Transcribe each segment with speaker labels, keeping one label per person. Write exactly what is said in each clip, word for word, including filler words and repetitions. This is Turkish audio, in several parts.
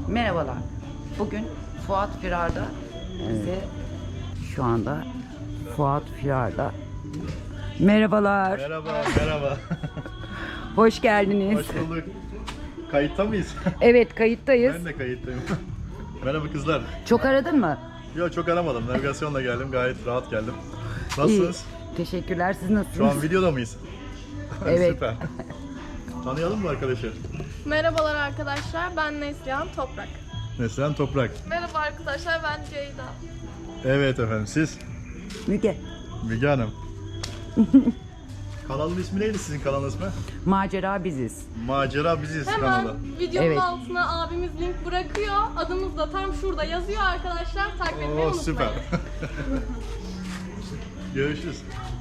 Speaker 1: Merhabalar. Bugün Fuat Firar'da bize şu anda Fuat Firar'da. Merhabalar.
Speaker 2: Merhaba, merhaba.
Speaker 1: Hoş geldiniz.
Speaker 2: Hoş bulduk. Kayıtta mıyız?
Speaker 1: Evet, kayıttayız.
Speaker 2: Ben de kayıttayım. Merhaba kızlar.
Speaker 1: Çok aradın mı?
Speaker 2: Yok çok aramadım. Navigasyonla geldim. Gayet rahat geldim. Nasılsınız?
Speaker 1: İyi. Teşekkürler. Siz nasılsınız?
Speaker 2: Şu an videoda mıyız?
Speaker 1: Evet.
Speaker 2: Süper. Tanıyalım mı arkadaşlar?
Speaker 3: Merhabalar arkadaşlar, ben Neslihan Toprak.
Speaker 2: Neslihan Toprak.
Speaker 3: Merhaba arkadaşlar, ben Ceyda.
Speaker 2: Evet efendim, siz?
Speaker 1: Müge.
Speaker 2: Müge Hanım. Kanalın ismi neydi sizin kanalın ismi?
Speaker 1: Macera biziz.
Speaker 2: Macera Biziz
Speaker 3: Hemen
Speaker 2: kanalı.
Speaker 3: videonun
Speaker 1: Evet.
Speaker 3: altına abimiz link bırakıyor. Adımız da tam şurada yazıyor arkadaşlar. Takip etmeyi
Speaker 2: Oo
Speaker 3: unutmayın.
Speaker 2: süper. Görüşürüz.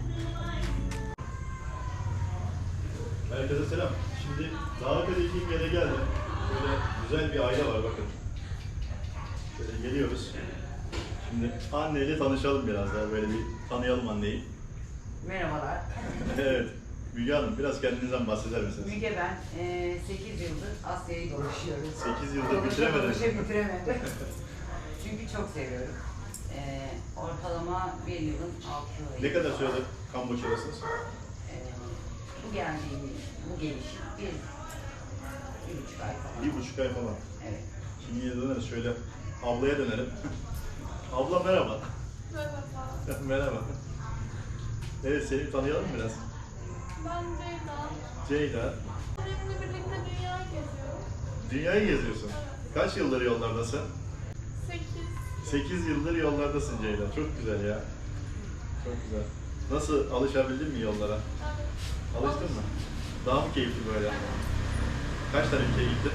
Speaker 2: Herkese selam. Şimdi davet edildiğim yere geldim. Böyle güzel bir aile var bakın. Şöyle geliyoruz. Şimdi anneyle tanışalım biraz daha, böyle bir tanıyalım anneyi.
Speaker 1: Merhabalar.
Speaker 2: Evet. Müge Hanım, biraz kendinizden bahseder misiniz?
Speaker 1: Müge ben sekiz yıldır Asya'yı dolaşıyorum.
Speaker 2: sekiz yıldır bitiremediniz.
Speaker 1: Dolaşa bitiremedim. Çünkü çok seviyorum. E, ortalama bir yılın altı ayı.
Speaker 2: Ne kadar süredir Kamboçya'dasınız?
Speaker 1: E, bu geldiğimiz, bu gelişim bir, bir buçuk ay falan.
Speaker 2: Bir buçuk ay falan.
Speaker 1: Evet.
Speaker 2: Şimdi yine döneriz, şöyle ablaya dönelim. Abla merhaba.
Speaker 3: Merhaba.
Speaker 2: Merhaba. Evet, seni tanıyalım biraz.
Speaker 3: Ben Ceyda.
Speaker 2: Ceyda.
Speaker 3: Benimle birlikte dünya geziyorum.
Speaker 2: Dünyayı geziyorsun. Kaç yıldır yollardasın?
Speaker 3: sekiz.
Speaker 2: sekiz yıldır yollardasın Ceyda. Çok güzel ya. Çok güzel. Nasıl, alışabildin mi yollara?
Speaker 3: Evet.
Speaker 2: Alıştın mı? Daha mı keyifli böyle? Kaç tane ülkeye gittin?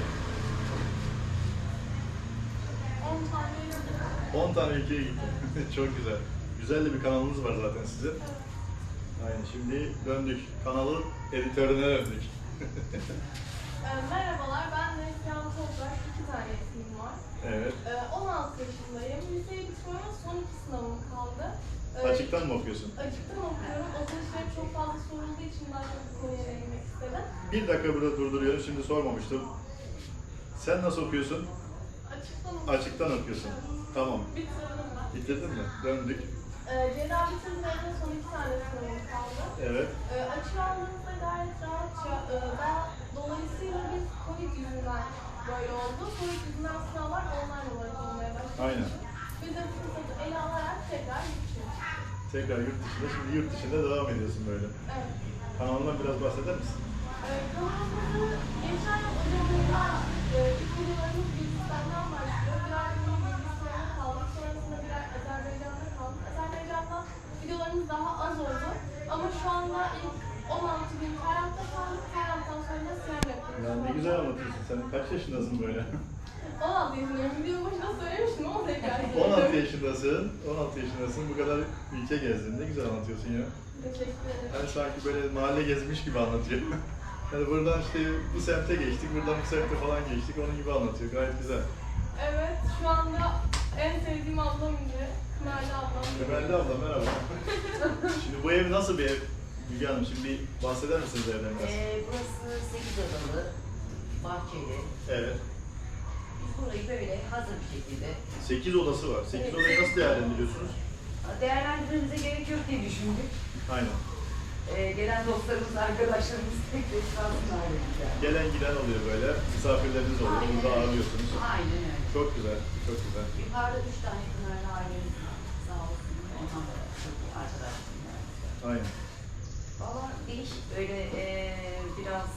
Speaker 3: on tane yazdım.
Speaker 2: on tane ülkeye gittin. Çok güzel. Güzel de bir kanalınız var zaten sizin. Aynen, şimdi döndük. Kanalın editörüne döndük.
Speaker 3: Ee, merhabalar, ben Neslihan Toprak. İki tane ismim var.
Speaker 2: Evet.
Speaker 3: Ee, on altı yaşındayım. Liseye bitmeme son iki sınavım kaldı. Ee,
Speaker 2: Açıktan mı okuyorsun?
Speaker 3: Açıktan okuyorum. O seçenek çok fazla sorulduğu için daha çok bu konuya değinmek istedim.
Speaker 2: Bir dakika burada durduruyorum. Şimdi sormamıştım. Sen nasıl okuyorsun?
Speaker 3: Açıktan okuyorum.
Speaker 2: Açıktan okuyorsun. Tamam.
Speaker 3: Bitirdim ben.
Speaker 2: Bitirdin mi? Döndük.
Speaker 3: Ee, Ceyda bitirdiğinde son iki tane sınavım kaldı.
Speaker 2: Evet.
Speaker 3: Ee, açığı aldığımızda gayet rahatça. Ee, ben dolayısıyla biz Covid yüzünden böyle oldu. Covid yüzünden sınavlar online olarak olmaya başladı.
Speaker 2: Aynen.
Speaker 3: Biz de fırsatı ele alarak tekrar gittik.
Speaker 2: Tekrar yurt dışında. Şimdi yurt dışında devam ediyorsun böyle.
Speaker 3: Evet.
Speaker 2: Kanalından biraz bahseder misin?
Speaker 3: Ee, kanalımızı geçen yıl Ocak'ta e, ilk videolarımız Gürcistan'dan başlıyor. Bir ay boyunca Gürcistan'da kaldık. Sonrasında bir ay Azerbaycan'da kaldık. Azerbaycan'da videolarımız daha az oldu. Ama şu anda ilk on altı gün Ferhat'ta kaldık. Ferhat'tan sonra da Siyam yapıyoruz.
Speaker 2: Ya ne güzel anlatıyorsun. Sen kaç yaşındasın böyle?
Speaker 3: on altı yaşındayım. Video başında söylemiştim ama tekrar
Speaker 2: on altı yaşındasın. on altı yaşındasın. Bu kadar ülke gezdin. Ne güzel anlatıyorsun ya.
Speaker 3: Teşekkür ederim.
Speaker 2: Yani sanki böyle mahalle gezmiş gibi anlatıyor. Yani buradan işte bu semte geçtik, buradan bu semte falan geçtik. Onun gibi anlatıyor. Gayet güzel.
Speaker 3: Evet, şu anda en sevdiğim ablam Ünlü. Kımerli ablam.
Speaker 2: Ömerli abla merhaba. Şimdi bu ev nasıl bir ev? Müge Hanım, şimdi bir bahseder misiniz evden biraz?
Speaker 1: Ee, burası sekiz odalı, bahçeli.
Speaker 2: Evet.
Speaker 1: Biz burayı böyle hazır bir şekilde
Speaker 2: sekiz odası var. sekiz odayı nasıl değerlendiriyorsunuz?
Speaker 1: değerlendirmemize gerek yok diye düşündük.
Speaker 2: Aynen.
Speaker 1: Ee, gelen dostlarımız, arkadaşlarımız tek tek kalsınlar dedik yani.
Speaker 2: Gelen giden oluyor böyle. Misafirleriniz oluyor.
Speaker 1: Aynen
Speaker 2: Burada
Speaker 1: öyle.
Speaker 2: ağırlıyorsunuz.
Speaker 1: Aynen öyle.
Speaker 2: Çok güzel. Çok güzel.
Speaker 1: Yukarıda üç tane Pınar'la ailemiz var. Sağ olsun. Ondan da çok iyi arkadaşlarım var.
Speaker 2: Aynen.
Speaker 1: Valla değişik böyle ee, biraz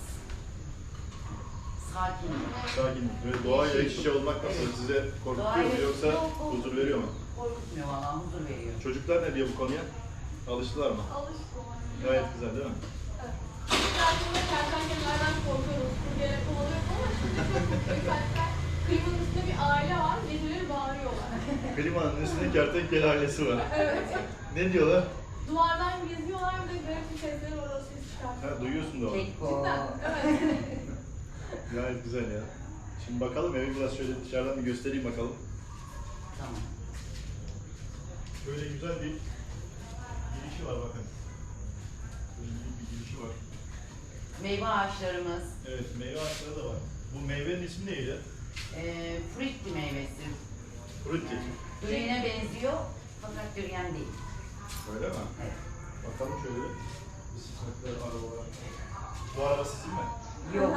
Speaker 1: sakin.
Speaker 2: Sakin. Böyle doğayla iç içe olmak nasıl?
Speaker 1: Evet.
Speaker 2: Size korkutuyor mu
Speaker 1: Doğayla-
Speaker 2: yoksa
Speaker 1: Yok, korkutmuyor.
Speaker 2: huzur veriyor mu?
Speaker 1: Korkutmuyor valla, huzur veriyor.
Speaker 2: Çocuklar ne diyor bu konuya? Alıştılar mı?
Speaker 3: Alıştım.
Speaker 2: Gayet güzel değil mi?
Speaker 3: Evet. Gerçekten kertenkelelerden korkuyoruz. Kurgele kovalıyoruz ama şimdi çok mutluyuz. Hatta klimanın üstünde bir aile var. Geceleri bağırıyorlar.
Speaker 2: Klimanın üstünde kertenkele ailesi var.
Speaker 3: Evet.
Speaker 2: Ne diyorlar?
Speaker 3: Duvardan geziyorlar bir de garip bir sesleri var. O ses
Speaker 2: Ha,
Speaker 3: çıkartıyor.
Speaker 2: duyuyorsun da onu.
Speaker 1: Keko.
Speaker 3: Cidden. Evet.
Speaker 2: Gayet güzel ya. Şimdi bakalım, evi biraz şöyle dışarıdan bir göstereyim bakalım.
Speaker 1: Tamam.
Speaker 2: Böyle güzel bir girişi var bakın. Böyle büyük bir girişi var.
Speaker 1: Meyve ağaçlarımız.
Speaker 2: Evet, meyve ağaçları da var. Bu meyvenin ismi neydi?
Speaker 1: Ee, frutti meyvesi.
Speaker 2: Frutti.
Speaker 1: Durian'e benziyor fakat durian değil.
Speaker 2: Öyle mi?
Speaker 1: Evet.
Speaker 2: Bakalım şöyle. Bisikletler, arabalar. Bu araba sizin mi?
Speaker 1: Yok.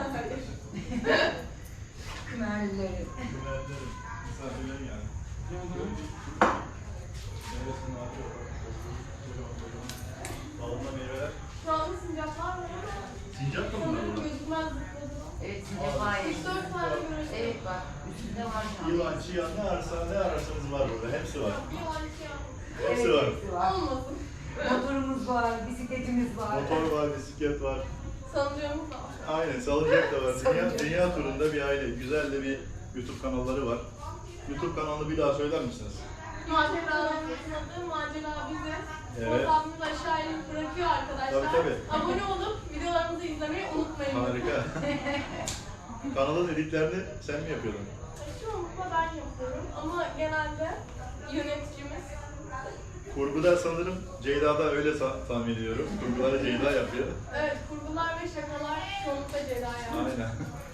Speaker 1: Kımerlileri.
Speaker 2: Güvenlerim. Misafirlerim yani.
Speaker 1: Hı hı.
Speaker 2: Meyvesini atıyor. Dalında meyveler.
Speaker 3: Şu anda sincaplar var ama
Speaker 2: Sincap da mı
Speaker 3: sanırım
Speaker 2: bunlar?
Speaker 3: gözükmez zıpladılar.
Speaker 1: Evet, sincap ailesi.
Speaker 3: üç dört tane görürsün.
Speaker 1: Evet bak, üstünde var şu an.
Speaker 2: Yılan, çiyan ne ararsa ne ararsanız var burada. Hepsi var.
Speaker 3: Yılan çiyan.
Speaker 2: Hepsi
Speaker 1: Evet,
Speaker 2: var.
Speaker 1: hepsi var.
Speaker 3: Olmasın.
Speaker 1: Motorumuz var, bisikletimiz var.
Speaker 2: Motor var, bisiklet var.
Speaker 3: Salıncağımız da var.
Speaker 2: Aynen, salıncak da var. Dünya,
Speaker 1: Salıncak.
Speaker 2: dünya turunda bir aile. Güzel de bir YouTube kanalları var. YouTube kanalını bir daha söyler misiniz?
Speaker 3: Maceralarımızın adı Macera Bize.
Speaker 2: Evet.
Speaker 3: Fotoğrafımızı aşağıya bırakıyor arkadaşlar.
Speaker 2: Tabii, tabii.
Speaker 3: Abone olup videolarımızı izlemeyi unutmayın.
Speaker 2: Harika. Kanalın editlerini sen mi yapıyordun?
Speaker 3: Çoğunlukla ben yapıyorum ama genelde yöneticimiz.
Speaker 2: Kurguda sanırım Ceyda'da öyle sa- tahmin ediyorum. Kurguları Ceyda yapıyor.
Speaker 3: Evet, kurgular ve şakalar çoğunlukla Ceyda'ya.
Speaker 2: Aynen.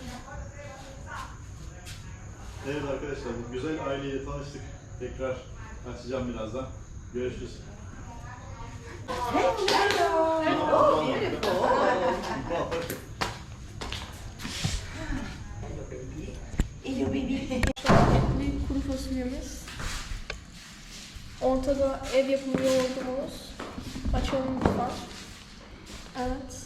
Speaker 2: Evet arkadaşlar, bu güzel aileyle tanıştık. Tekrar açacağım birazdan. Görüşürüz.
Speaker 1: Hello. Oh, beautiful. Hello baby.
Speaker 3: Etli kuru fasulyemiz. Ortada ev yapımı yoğurdumuz. Açalım lütfen. Evet.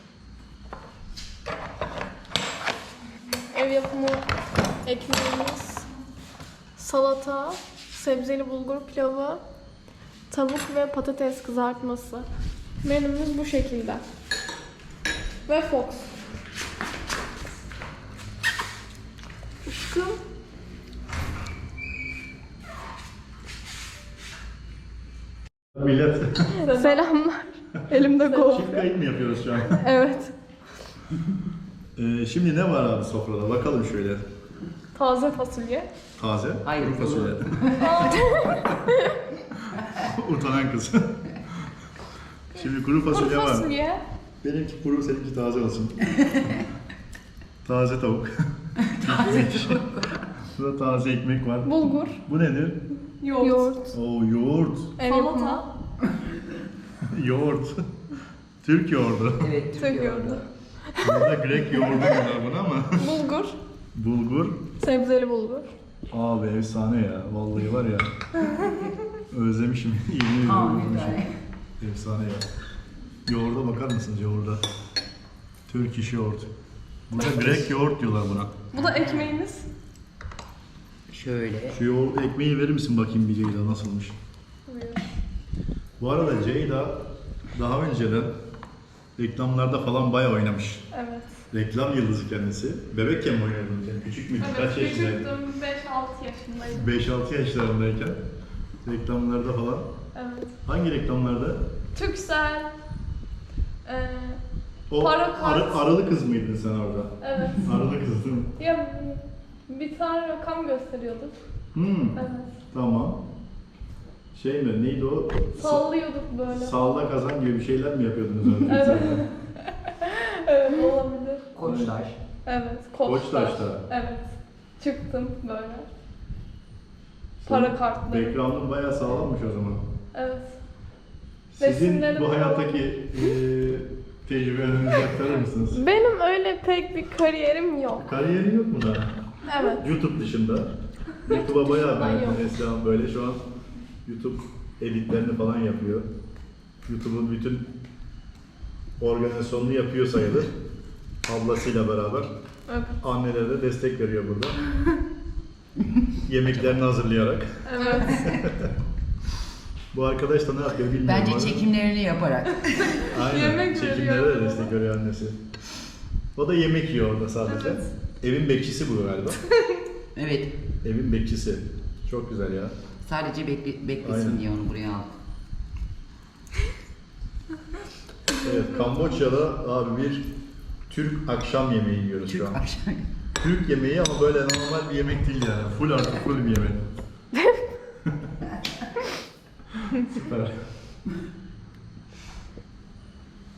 Speaker 3: Ev yapımı ekmeğimiz. Salata, sebzeli bulgur pilavı, tavuk ve patates kızartması. Menümüz bu şekilde. Ve Fox. Aşkım.
Speaker 2: Millet.
Speaker 3: Selamlar. Elimde gol.
Speaker 2: Çift kayıt mı yapıyoruz şu an?
Speaker 3: Evet.
Speaker 2: Ee, şimdi ne var abi sofrada? Bakalım şöyle.
Speaker 3: Taze fasulye.
Speaker 2: Taze,
Speaker 1: Hayır,
Speaker 2: kuru fasulye. Utanan kız. Şimdi kuru
Speaker 3: Kuru
Speaker 2: fasulye var.
Speaker 3: fasulye.
Speaker 2: Benimki kuru, seninki taze olsun. Taze tavuk. Burada taze ekmek var.
Speaker 3: Bulgur.
Speaker 2: Bu nedir?
Speaker 3: Yoğurt. Yoğurt.
Speaker 2: Oo, yoğurt.
Speaker 3: Ev yapımı.
Speaker 2: Yoğurt. Türk yoğurdu.
Speaker 1: Evet,
Speaker 3: Türk yoğurdu.
Speaker 2: Burada Grek yoğurdu diyorlar buna ama.
Speaker 3: Bulgur.
Speaker 2: Bulgur.
Speaker 3: Sebzeli bulgur.
Speaker 2: Abi efsane ya. Vallahi var ya. Özlemişim. Yemin ediyorum
Speaker 1: Aa,
Speaker 2: özlemişim.
Speaker 1: güzel.
Speaker 2: Efsane ya. Yoğurda bakar mısınız yoğurda? Türk iş yoğurt. Burada Grek yoğurt diyorlar buna.
Speaker 3: Bu da ekmeğimiz.
Speaker 1: Şöyle.
Speaker 2: Şu yoğurt ekmeği verir misin bakayım bir Ceyda nasılmış?
Speaker 3: Buyur.
Speaker 2: Bu arada Ceyda daha önceden reklamlarda falan bayağı oynamış.
Speaker 3: Evet.
Speaker 2: Reklam yıldızı kendisi. Bebekken mi oynuyordun sen? Küçük müydün?
Speaker 3: Evet,
Speaker 2: Kaç yaşındaydın?
Speaker 3: küçüktüm. beş altı yaşındaydım.
Speaker 2: beş altı yaşlarındayken reklamlarda falan.
Speaker 3: Evet.
Speaker 2: Hangi reklamlarda?
Speaker 3: Türksel. Ee,
Speaker 2: O
Speaker 3: Para kart.
Speaker 2: arı- aralı kız mıydın sen orada?
Speaker 3: evet.
Speaker 2: Aralı kızdın.
Speaker 3: Ya bir tane rakam gösteriyorduk.
Speaker 2: Hmm,
Speaker 3: Evet.
Speaker 2: tamam. Şey mi? Neydi o?
Speaker 3: Sallıyorduk böyle.
Speaker 2: Salla kazan gibi bir şeyler mi yapıyordunuz orada?
Speaker 3: Evet. Evet, olabilir.
Speaker 1: Koçtaş.
Speaker 3: Evet. Koçtaş.
Speaker 2: Koçtaş'ta.
Speaker 3: Evet. Çıktım böyle. Para kartları.
Speaker 2: Background'un bayağı sağlammış o zaman.
Speaker 3: Evet.
Speaker 2: Sizin
Speaker 3: Resimlerim
Speaker 2: bu
Speaker 3: falan.
Speaker 2: hayattaki eee tecrübelerinizi aktarır mısınız?
Speaker 3: Benim öyle pek bir kariyerim yok.
Speaker 2: Kariyerin yok mu daha?
Speaker 3: Evet.
Speaker 2: YouTube dışında. YouTube'a bayağı
Speaker 3: dışında
Speaker 2: ben
Speaker 3: yok.
Speaker 2: mesela böyle şu an YouTube editlerini falan yapıyor. YouTube'un bütün organizasyonunu yapıyor sayılır. Ablasıyla beraber.
Speaker 3: Evet.
Speaker 2: Annelere de destek veriyor burada. Yemeklerini hazırlayarak.
Speaker 3: Evet.
Speaker 2: Bu arkadaş da ne yapıyor bilmiyorum.
Speaker 1: Bence
Speaker 2: ama-
Speaker 1: çekimlerini yaparak.
Speaker 2: Aynen.
Speaker 3: Yemek
Speaker 2: Çekimlere
Speaker 3: veriyor.
Speaker 2: de destek veriyor annesi. O da yemek yiyor orada sadece.
Speaker 3: Evet.
Speaker 2: Evin bekçisi bu galiba.
Speaker 1: Evet.
Speaker 2: Evin bekçisi. Çok güzel ya.
Speaker 1: Sadece bekle, beklesin
Speaker 2: Aynen.
Speaker 1: diye onu buraya aldım.
Speaker 2: Evet, Kamboçya'da abi bir Türk akşam yemeği yiyoruz
Speaker 1: Türk
Speaker 2: şu an.
Speaker 1: akşam.
Speaker 2: Türk yemeği ama böyle normal bir yemek değil yani. Full artı full bir yemek. Süper.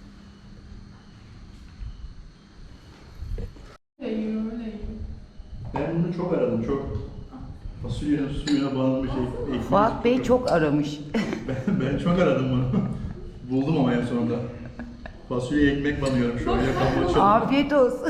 Speaker 3: Öyle yiyor, öyle yiyor.
Speaker 2: Ben bunu çok aradım, çok. Fasulyenin suyuna banılmış ek- ekmeği.
Speaker 1: Fuat Bey çok aramış.
Speaker 2: Ben, ben çok aradım bunu. Buldum ama en sonunda. Fasulye ekmek banıyorum şu an. Yakamı açalım.
Speaker 1: Afiyet olsun.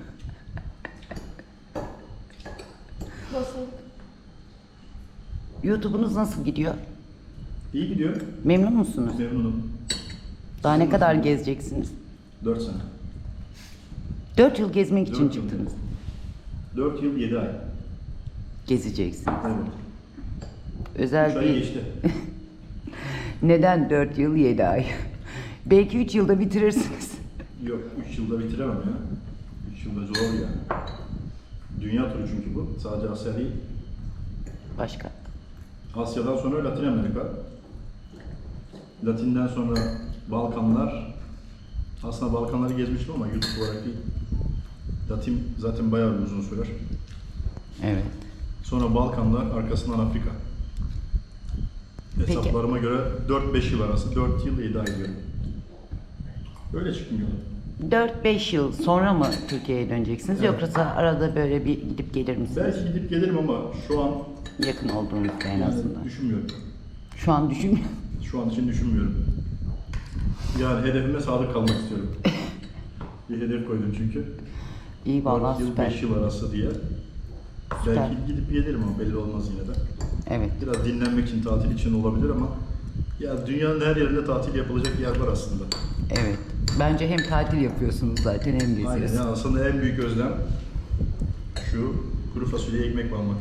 Speaker 3: Nasıl?
Speaker 1: YouTube'unuz nasıl gidiyor?
Speaker 2: İyi gidiyor.
Speaker 1: Memnun musunuz?
Speaker 2: Memnunum.
Speaker 1: Daha ne kadar gezeceksiniz?
Speaker 2: dört sene.
Speaker 1: Dört yıl gezmek için
Speaker 2: Dört yıl.
Speaker 1: çıktınız.
Speaker 2: dört yıl yedi ay.
Speaker 1: Gezeceksiniz.
Speaker 2: Evet.
Speaker 1: Özel
Speaker 2: üç ay
Speaker 1: bir...
Speaker 2: geçti.
Speaker 1: Neden dört yıl yedi ay? Belki üç yılda bitirirsiniz.
Speaker 2: Yok, üç yılda bitiremem ya. üç yılda zor yani. Dünya turu çünkü bu. Sadece Asya değil.
Speaker 1: Başka.
Speaker 2: Asya'dan sonra Latin Amerika. Latin'den sonra Balkanlar. Aslında Balkanları gezmiştim ama YouTube olarak değil. Latin zaten bayağı bir uzun sürer.
Speaker 1: Evet.
Speaker 2: Sonra Balkanlar, arkasından Afrika.
Speaker 1: Peki.
Speaker 2: Hesaplarıma göre dört beş yıl arası, dört yıl yedi ay diyorum. Öyle çıktım yola.
Speaker 1: dört beş yıl sonra mı Türkiye'ye döneceksiniz?
Speaker 2: Evet.
Speaker 1: Yoksa arada böyle bir gidip gelir misiniz?
Speaker 2: Belki gidip gelirim ama şu an
Speaker 1: Yakın olduğunuzda en
Speaker 2: yani
Speaker 1: azından.
Speaker 2: düşünmüyorum.
Speaker 1: Şu an düşünmüyorum.
Speaker 2: Şu an için düşünmüyorum. Yani hedefime sadık kalmak istiyorum. Bir hedef koydum çünkü.
Speaker 1: İyi vallahi
Speaker 2: dört yıl
Speaker 1: süper.
Speaker 2: beş yıl arası diye.
Speaker 1: Süper.
Speaker 2: Belki gidip gelirim ama belli olmaz yine de.
Speaker 1: Evet.
Speaker 2: Biraz dinlenmek için, tatil için olabilir ama ya dünyanın her yerinde tatil yapılacak yer var aslında.
Speaker 1: Evet. Bence hem tatil yapıyorsunuz zaten hem
Speaker 2: Aynen
Speaker 1: geziyorsunuz.
Speaker 2: ya, aslında en büyük özlem şu kuru fasulye ekmek almak.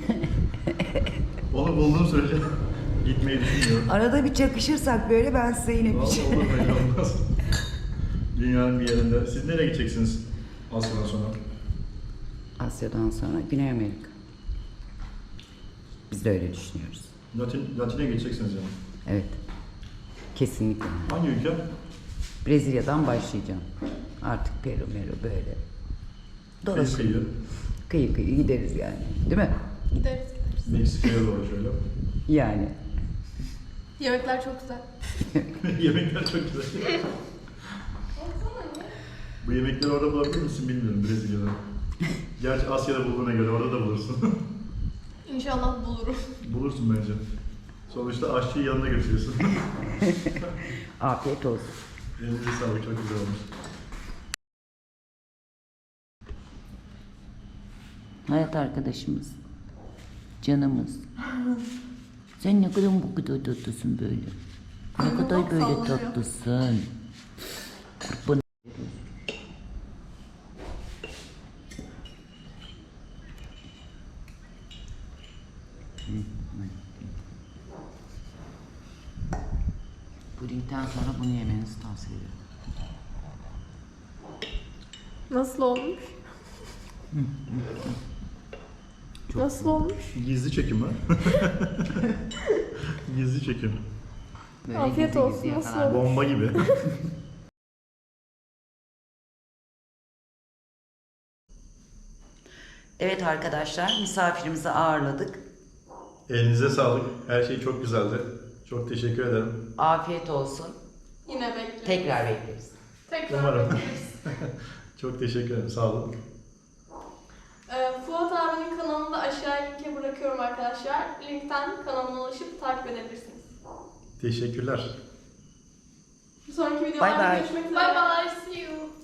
Speaker 2: Onu bulduğum sürece gitmeyi düşünmüyorum.
Speaker 1: Arada bir çakışırsak böyle ben size yine bir
Speaker 2: Vallahi
Speaker 1: şey...
Speaker 2: olur belli olmaz. Dünyanın bir yerinde. Siz nereye gideceksiniz Asya'dan sonra?
Speaker 1: Asya'dan sonra Güney Amerika. Biz de öyle düşünüyoruz.
Speaker 2: Latin, Latin'e geçeceksiniz yani.
Speaker 1: Evet. Kesinlikle.
Speaker 2: Hangi ülke?
Speaker 1: Brezilya'dan başlayacağım. Artık Peru, Meru böyle.
Speaker 2: Kıyı
Speaker 1: Dolaşıp
Speaker 2: kıyı.
Speaker 1: kıyı kıyı gideriz yani. Değil mi?
Speaker 3: Gideriz gideriz.
Speaker 2: Meksika'ya doğru şöyle.
Speaker 1: Yani.
Speaker 3: Yemekler çok güzel.
Speaker 2: Yemekler çok güzel. Bu yemekleri orada bulabilir misin bilmiyorum Brezilya'da. Gerçi Asya'da bulduğuna göre orada da bulursun.
Speaker 3: İnşallah bulurum.
Speaker 2: Bulursun bence. Sonuçta aşçıyı yanına götürüyorsun.
Speaker 1: Afiyet olsun.
Speaker 2: Elinize sağlık, çok güzel olmuş.
Speaker 1: Hayat arkadaşımız. Canımız. Sen ne kadar bu kadar tatlısın böyle. Ne kadar böyle
Speaker 3: sallıyor.
Speaker 1: tatlısın. Kurban. Pudingden sonra bunu yemenizi tavsiye ederim.
Speaker 3: Nasıl olmuş?
Speaker 1: Çok
Speaker 3: Nasıl olmuş?
Speaker 2: Gizli çekim ha. Gizli çekim.
Speaker 1: Böyle
Speaker 3: Afiyet
Speaker 1: gizli
Speaker 3: olsun,
Speaker 1: gizli
Speaker 3: nasıl
Speaker 1: yakalar.
Speaker 3: olmuş?
Speaker 2: Bomba gibi.
Speaker 1: Evet arkadaşlar, misafirimizi ağırladık.
Speaker 2: Elinize sağlık. Her şey çok güzeldi. Çok teşekkür ederim.
Speaker 1: Afiyet olsun.
Speaker 3: Yine bekleriz.
Speaker 1: Tekrar bekleriz.
Speaker 3: Tekrar
Speaker 2: Umarım.
Speaker 3: bekleriz.
Speaker 2: Çok teşekkür ederim. Sağ olun.
Speaker 3: Ee, Fuat abinin kanalını da aşağıya linke bırakıyorum arkadaşlar. Linkten kanalına ulaşıp takip edebilirsiniz.
Speaker 2: Teşekkürler.
Speaker 3: Bir sonraki
Speaker 1: Bye
Speaker 3: videolarda
Speaker 1: bye.
Speaker 3: görüşmek üzere. Bye bye. See you.